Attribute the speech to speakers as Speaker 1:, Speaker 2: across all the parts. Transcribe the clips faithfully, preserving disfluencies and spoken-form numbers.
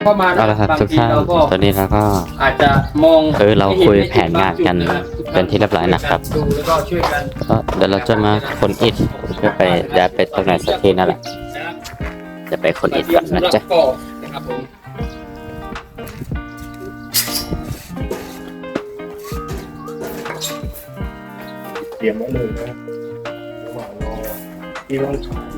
Speaker 1: เข้ามา
Speaker 2: เอาละครับทุกท่านตอนนี้เราก็
Speaker 1: อาจจะมอง
Speaker 2: คือเราคุยแผนงานกันเป็นที่เรียบร้อยนะครับ
Speaker 1: ดูแล้วก็ช่วยกัน
Speaker 2: ก็เดี๋ยวเราจะมาคนอิฐเพื่อไปย้ายไปตรงไหนสักทีนั่นแหละจะไปคนอิฐกันนะจ๊ะ
Speaker 1: นะครับผม
Speaker 3: เตรียมไว้เลยนะระหว่างรอที่ร้อนฉาย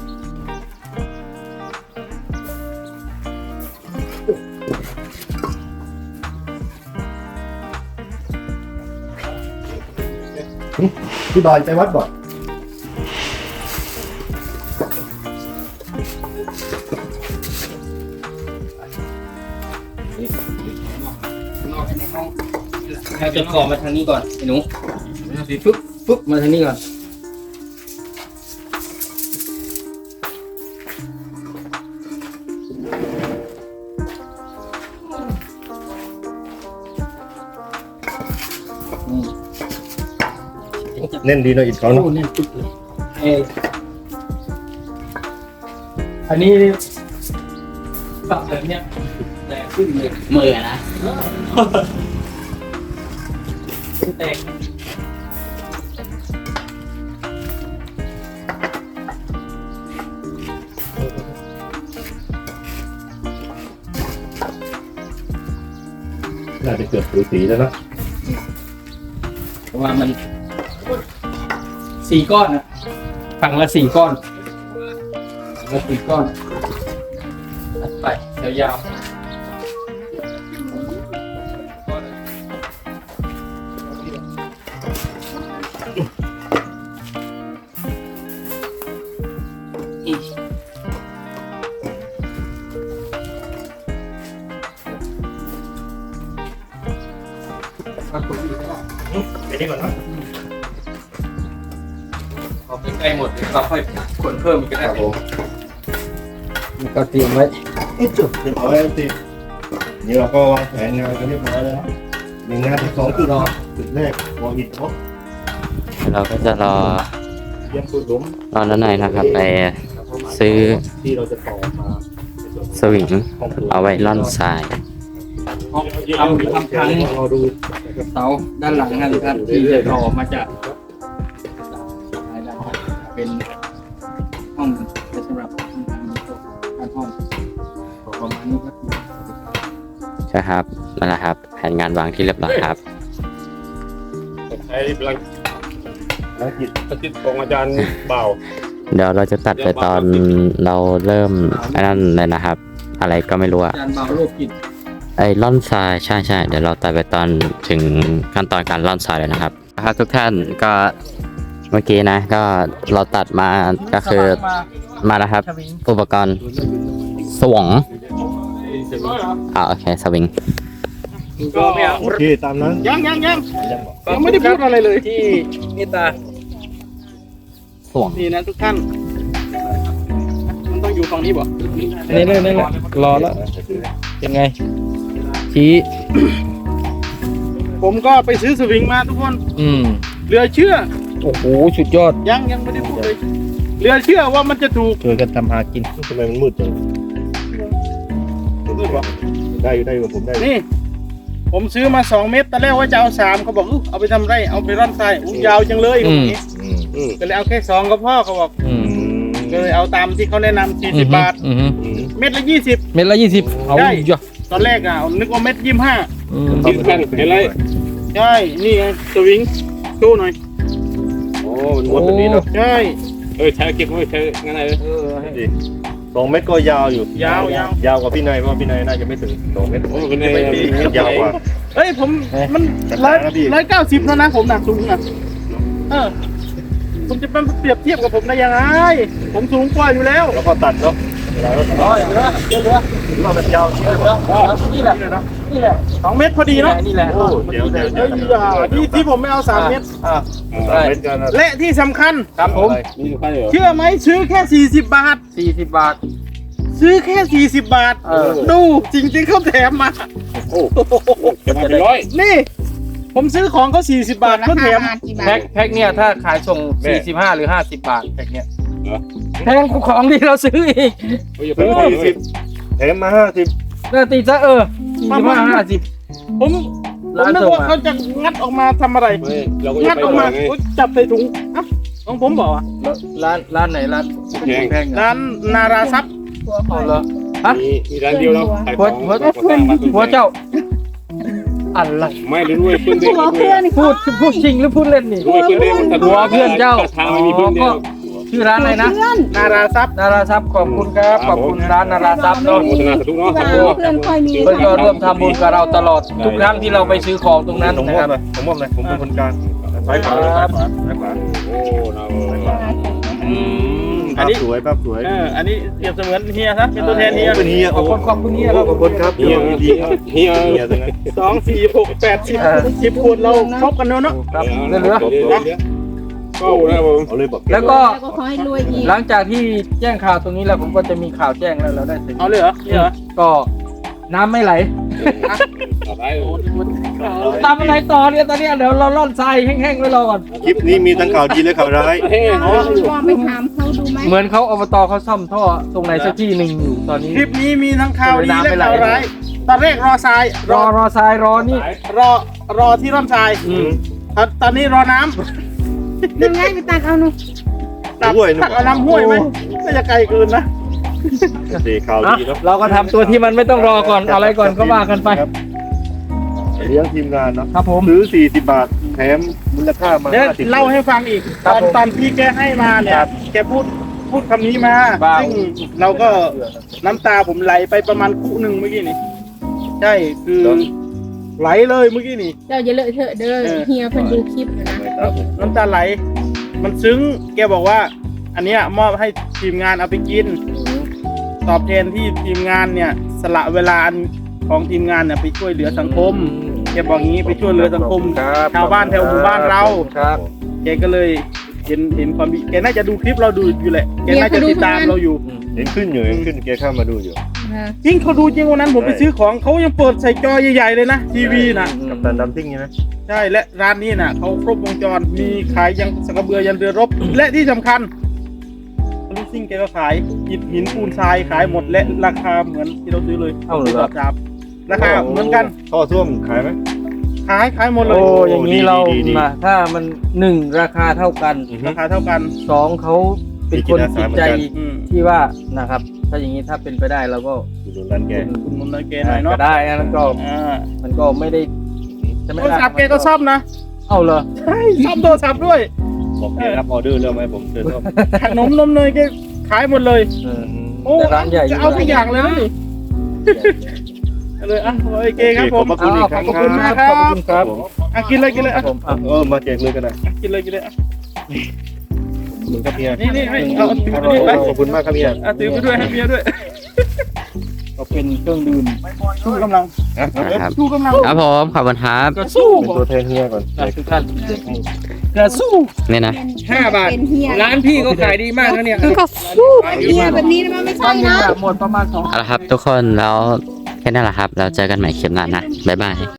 Speaker 3: พี่บอยไปวัดก่อน
Speaker 1: นอกในห้องให้เป็นขอมาทางนี้ก่อนไอ้หนูปึ๊บปึ๊บมาทางนี้ก่อนนี่
Speaker 3: เน้นดีหน่อยอีกครั้ง
Speaker 1: โอ้เนี่ยปึ๊บเลยเอออันนี้ปรับแบบเนี้ยแรงขึ้นเลยมือนะแตก
Speaker 3: น่าจะเกือบสูสีแล้วนะ
Speaker 1: เพราะว่ามันสี่ก้อนนะฝั่งละสี่ก้อนฝั่งละสี่ก้อนตัดไปยาวๆอีก
Speaker 3: ไปนี่ก่อนนะ
Speaker 1: พอไปใกล้หมดเดี๋ยวเราค่อยขนเพิ่มอีกก็ได้
Speaker 3: ครับผม
Speaker 1: ก็เตรียมไว้
Speaker 3: จุดเรียบร้อยแล้วสินี่เราก็วางแผนงานกันเรียบร้อยแล้วนะหนึ่งงานที่สองจุดจุดแรกวางอิฐครบ
Speaker 2: เราก็จะรอ
Speaker 3: เยี่ยมสุดหลุม
Speaker 2: รอนั้นหน่อยนะครับไปซื้อ
Speaker 3: ที่เราจะต่อมา
Speaker 2: สวิงเอาไว้ล่อนทราย
Speaker 1: ทำทำทาง
Speaker 3: เราดู
Speaker 1: เสาด้านหลังนั่นครับที่จะต่อมาจากเป็นห้องสำหรับทำทางการห้องประมาณนี้ก็คือ
Speaker 2: ใช่ครับนั่นแหละครับแผนงานวางที่เรียบร้อยครับ
Speaker 3: ใช้พลังภารกิจประจิตของอาจารย์เบา
Speaker 2: เดี๋ยวเราจะตัดไปตอนเราเริ่มไอ้นั่นเลยนะครับ อะไรก็ไม่รู้อะ
Speaker 1: การเบาโรคกิจ
Speaker 2: ไอ้ล่อนทรายใช่ใช่เดี๋ยวเราตัดไปตอนถึงขั้นตอนการล่อนทรายเลยนะครับนะครับทุกท่านก็เมื่อกี้นะ ก็เราตัดมาก็คือมาแล้วครับ อุปกรณ์สวงอ่าโอเคสวิง
Speaker 1: ก็ไม่เอา
Speaker 3: โอเคตามนั้น
Speaker 1: ยังยังยัง
Speaker 3: ยังบอก
Speaker 1: ยังไม่ได้พูดอะไรเลยที่นี่ตา
Speaker 2: สวง
Speaker 1: นี่นะทุกท่านมันต้องอยู่ฝั่งนี้บ่
Speaker 4: นี่เลยนี่แหละรอแล้วยังไงชี้
Speaker 1: ผมก็ไปซื้อสวิงมาทุกคน
Speaker 4: อืม
Speaker 1: เหลือเชื่อ
Speaker 4: โอ้โหสุดยอด
Speaker 1: ยังยังไม่ได้พูดเลยเหลือเชื่อว่ามันจะถูก
Speaker 4: ช่วยกันทำหากิน
Speaker 3: ทำไมมันมืดจังได้อยู่ได้อยู่ผมได้อยู่
Speaker 1: นี่ ผมซื้อมาสองเม็ดตอนแรกว่าจะเอาสามเขาบอกอุ๊ยเอาไปทำไรเอาไปร่อนทรายอุ๊ยยาวจังเลย
Speaker 4: อืม
Speaker 3: อืมอืม
Speaker 1: ก็เลยเอาแค่สองก็พ่อเขาบอก
Speaker 4: อืม
Speaker 1: ก็เลยเอาตามที่เขาแนะนำสี่สิบบาท
Speaker 4: อืมอืม
Speaker 3: อืม
Speaker 1: เม็ดละยี่สิบ
Speaker 4: เม็ดละยี่สิบเอา
Speaker 1: ได้
Speaker 4: เยอะ
Speaker 1: ตอนแรกอ่ะนึกว่าเม็ดยี่สิบห้า
Speaker 4: อืม
Speaker 3: ที่ขั้นเห็นไร
Speaker 1: ใช่นี่ไงสวิงสู้หน่อย
Speaker 3: โอ้มันม้วนแบบนี้เนาะ
Speaker 1: ใช่
Speaker 3: เออใช้เก็บไว้ใช้งั้นเลยเออดีสองเมตรก็ยาวอยู่
Speaker 1: ยาวยาวย
Speaker 3: าวกว่าพี่นายเพราะพี่นายน่าจะไม่ถึงสองเมตรโอ้พี่นายยาวกว่า
Speaker 1: เฮ้ยผมมันร้อยร้อยเก้าสิบแล้วนะผมหนักสูงนะเออผมจะเป็นเปรียบเทียบกับผมได้ยังไงผมสูงกว่าอยู่แล้ว
Speaker 3: แล้วก็ตัดเนาะเวลาเราตัด
Speaker 1: ร้อยเหลือเยอะเหลือ
Speaker 3: เราเป็นยาว
Speaker 1: เหลือนี่แหละนี่แหละสองเมตรพอดีเนาะนี่แหละ
Speaker 3: โอ้เดี๋ยวเดี๋ยว
Speaker 1: เฮ้ยอย่าที่ที่ผมไม่เอาสามเมตร
Speaker 3: อ่าเมตรกันนะ
Speaker 1: และที่สำคัญ
Speaker 4: ครับผม
Speaker 3: นี่ใครเหรอ
Speaker 1: เชื่อไหมซื้อแค่สี่สิบบาท
Speaker 4: สี่สิบบาท
Speaker 1: ซื้อแค่สี่สิบบาท
Speaker 4: เออ
Speaker 1: ดูจริงๆเขาแถมมา
Speaker 3: โอ้จะมาเป็นร้อย
Speaker 1: นี่ ผมซื้อของเขาสี่สิบบาทเขาแถม
Speaker 4: แพ็คแพ็คเนี่ยถ้าขายส่งสี่สิบห้าหรือห้าสิบบาทแพ็คเนี่ยแพงกว่าของที่เราซื้ออีก
Speaker 3: อย่าเพิ่งสี่สิบแถมมาห้าสิบ
Speaker 4: เออตีซะเออสี่สิบห้าห้าสิบ
Speaker 1: ผมผมนึกว่าเขาจะงัดออกมาทำอะไร
Speaker 3: เราก็
Speaker 1: งั
Speaker 3: จะ
Speaker 1: ด
Speaker 3: ไป
Speaker 1: ออก
Speaker 3: มา
Speaker 1: มาอุ๊ยจับใส่ถุงอ่ะของผมบอกอ่ะ
Speaker 4: ร้านร้านไหนร้าน
Speaker 3: แพง
Speaker 4: แพง
Speaker 1: ร้านนาราซับ
Speaker 4: เอาเหรอฮะ
Speaker 3: มีมีร้านเดียวแล้วขายข
Speaker 4: หัว
Speaker 3: อง
Speaker 4: หัวหัวเจ้าอะไร
Speaker 3: ไม่รู้ด้วยเพื่อนเด็ก
Speaker 5: หัวเพื่อน
Speaker 4: พูดพูดจริงหรือพูดเล่นนี่
Speaker 3: ด้วยเพื่อนเด็ก
Speaker 4: หัวเพื่อนเจ้า
Speaker 3: ทางไม่มีเพื่อนเดียว
Speaker 4: ชื่อร้านอะไรนะ
Speaker 5: เพื่อน
Speaker 1: นาราซับ
Speaker 4: นาราทรัพย์ขอบคุณครับขอบคุณร้านนาราทรัพย์เนาะ
Speaker 3: โฆษณาสาธุเนาะ
Speaker 5: ที่ว่าเพื่อนค่อยมี
Speaker 4: เพื่อนก็ร่วมทำบุญกับเราตลอดทุกครั้งที่เราไปซื้อของตรงนั้น
Speaker 3: ผมม
Speaker 4: นะ
Speaker 3: อ
Speaker 4: ค
Speaker 3: บ
Speaker 4: รับ
Speaker 3: เลยผมมอบเลยผมเป็นคนกลางซ้ายขวาซ้ายขวาซ้ายขวาโอ้เราซ้ายขวาอืมภาพสวยภาพสวย
Speaker 1: เอออันนี้เปรียบเสมือนเฮียซะเป็นตัวแทนเฮีย
Speaker 3: เป็นเฮีย
Speaker 4: ขอบคุณขอบคุณเฮียครับ
Speaker 3: ขอบคุณครับเฮียดีครับเฮียเฮียตรงนั้น
Speaker 1: สองสี่หกแปดสิบสิบคนเราครบกันเนอะเนาะ
Speaker 4: ครับเหลือ
Speaker 3: ก็นะผมเอาเลยบอก
Speaker 4: แล้วก็
Speaker 5: แล้วก็ขอให้รวยอีก
Speaker 4: หลังจากที่แจ้งข่าวตรงนี้แล้วผมก็จะมีข่าวแจ้งแล้วเราได้เสร็จ
Speaker 1: เอาเลยเหรอนี่เหรอ
Speaker 4: ก็น้ำไม่ไหล
Speaker 3: ต่อไป
Speaker 4: ตามอะไรต่อเนี่ยตอนเนี้ยเดี๋ยวเราล่อนทรายแห้งๆไว้รอก่อน
Speaker 3: คลิปนี้มีทั้งข่าวดีและข่าวร้าย
Speaker 5: อ๋อลองไปถามเขาดูไหม
Speaker 4: เหมือนเขาอบตเขาซ่อมท่อตรงไหนสักที่หนึ่งอยู่ตอนนี้
Speaker 1: คลิปนี้มีทั้งข่าวดีและข่าวร้ายตอนแรกรอทราย
Speaker 4: รอรอทรายรอนี่
Speaker 1: รอรอที่ร่อนทราย
Speaker 4: อืม
Speaker 1: ตอนตอนนี้รอน้
Speaker 5: น้ำง่ายไปตักเอาหนู
Speaker 1: ำตัก
Speaker 3: ห้วยนึก
Speaker 1: ตักเอาน้ำห้วยไหมก็จะไกลเกินนะ
Speaker 3: ดีข่าว
Speaker 4: อ่ะ
Speaker 3: ดีแล้ว
Speaker 4: เราก็ทำตัวที่มันไม่ต้องรอก่อนอะไรก่อนก็ว่ากันไป
Speaker 3: เลี้ยงทีมงานเนาะ
Speaker 4: ครับผม
Speaker 3: ซื้อสี่สิบบาทแถมมูลค่ามา
Speaker 1: เดี๋ยว
Speaker 3: ห้าสิบ
Speaker 1: เล่าให้ฟังอีก
Speaker 4: ค
Speaker 1: ต
Speaker 4: รับ
Speaker 1: อน
Speaker 4: ผม
Speaker 1: ตอนพี่แกให้มาเนี่ยแกพูดพูดคำนี้มา
Speaker 4: บ้า
Speaker 1: ซึ่งเราก็น้ำตาผมไหลไปประมาณคู่หนึ่งเมื่อกี้นี่ใช่คือไหลเลยเมื่อกี้นี่
Speaker 5: เจ้าอย่าเลอะเทอะเด้อเฮียเพิ่นดูคลิปอยู่นะ
Speaker 1: น้ำตาไหล มันซึ้ง แกบอกว่า อันเนี้ยมอบให้ทีมงานเอาไปกิน ตอบแทนที่ทีมงานเนี่ย สละเวลาอันของทีมงานเนี่ยไปช่วยเหลือสังคม แกบอกงี้ไปช่วยเหลือสังคม
Speaker 4: ครับ
Speaker 1: ชาวบ้านแถวหมู่บ้านเรา
Speaker 4: ครับ
Speaker 1: แกก็เลยเห็นเห็นความดีแกน่าจะดูคลิปเราดูอยู่แหละ แกน่าจะติดตามเราอยู่
Speaker 3: เห็นขึ้นอยู่เห็นขึ้นแกเข้ามาดูอยู่
Speaker 1: จริงเขาดูจริงวันนั้นผมไปซื้อของเขายังเปิดใส่จอใหญ่ๆเลยนะทีวีนะ
Speaker 3: กับตันดัมซิ่งใช่ไหม
Speaker 1: ใช่และร้านนี้น่ะเขาครบวงจรมีขายยังสกกระเบือยันเรือรบ และที่สำคัญลูกซิ่งแกก็ขายอิฐหินปูนทรายขายหมดและราคาเหมือนที่เราซื้อเลย
Speaker 4: เอาเหรอ
Speaker 1: ไม่ตอบจับราคาเหมือนกัน
Speaker 3: ท่อส้วมขายไหม
Speaker 1: ขายขายหมดเล
Speaker 4: โอ้
Speaker 1: ย
Speaker 4: อย่างนี้เรามาถ้ามันหนึ่งราคาเท่ากัน
Speaker 1: ราคาเท่ากัน
Speaker 4: สองเขาเป็นคนจิตใจ
Speaker 1: อืม
Speaker 4: ที่ว่านะครับ ถ้าอย่างนี้ถ้าเป็นไปได้เราก็
Speaker 3: อยู่ตรงนั้นแก
Speaker 1: คุณมุนเกหน่อยเนาะ
Speaker 4: ก็ได้นะแล้วก็
Speaker 1: อ่า
Speaker 4: มันก็ไม่ได้จะไม่
Speaker 1: โทร
Speaker 4: ได้
Speaker 1: ศัพท์แกก็ซ่อมนะ
Speaker 4: เอาเหรอ
Speaker 1: ใช่ซ่อมโทรศัพท์ด้วย
Speaker 3: บอกแกรับออเดอร์แล้วไหมผมเชิญร่วม
Speaker 1: ขนมนมเนยแกขายหมดเลย
Speaker 4: เออ
Speaker 1: โอ้
Speaker 4: แต่ร้านใหญ่อยู่
Speaker 1: จะเอาทุกอย่างเลยนะนี่เลยอ่ะโอเคครับผม
Speaker 3: ขอบคุณอีกครั้ง
Speaker 1: ขอบคุณมากค
Speaker 4: ข
Speaker 1: รั
Speaker 4: อบบ คุณครับ
Speaker 1: อ่ะกินเลยกินเลยอ่ะ
Speaker 4: ผมอ่ะ
Speaker 3: เออมาแจกเลยกันนะ
Speaker 1: กินเลยกินเลยอ่ะ
Speaker 3: มึงครับเฮีย
Speaker 1: นี่นี่ไม่เอาถือไปด้วยไป
Speaker 3: ขอบคุณมากครับเฮีย
Speaker 1: อ่ะถือไปด้วยให้เมียด้วย
Speaker 4: ก็เป็นเครื่องดื่ม
Speaker 1: ชูกำลัง
Speaker 2: นะครับ
Speaker 1: ชูกำลัง
Speaker 2: ครับผมขอบคุณครับ
Speaker 1: กระสู้
Speaker 3: เป็นตัวแทนเฮียก่อน
Speaker 4: อ่ะทุกท่านกระสู้
Speaker 2: นี่นะ
Speaker 4: ห้าบาท
Speaker 5: เป็นเฮีย
Speaker 4: ร้านพี่ก็ขายดีมากนะเนี่ย
Speaker 5: ก็สู้เฮียแบบนี้นะมันไม่
Speaker 4: ตอ
Speaker 5: ใช่
Speaker 4: นหนึง
Speaker 5: นะ
Speaker 4: อะหมดประมาณสอง
Speaker 2: เอาละครับทุกคนแล้วแค่นั้นแหละครับ แล้วเจอกันใหม่คลิปหน้านะ บ๊ายบาย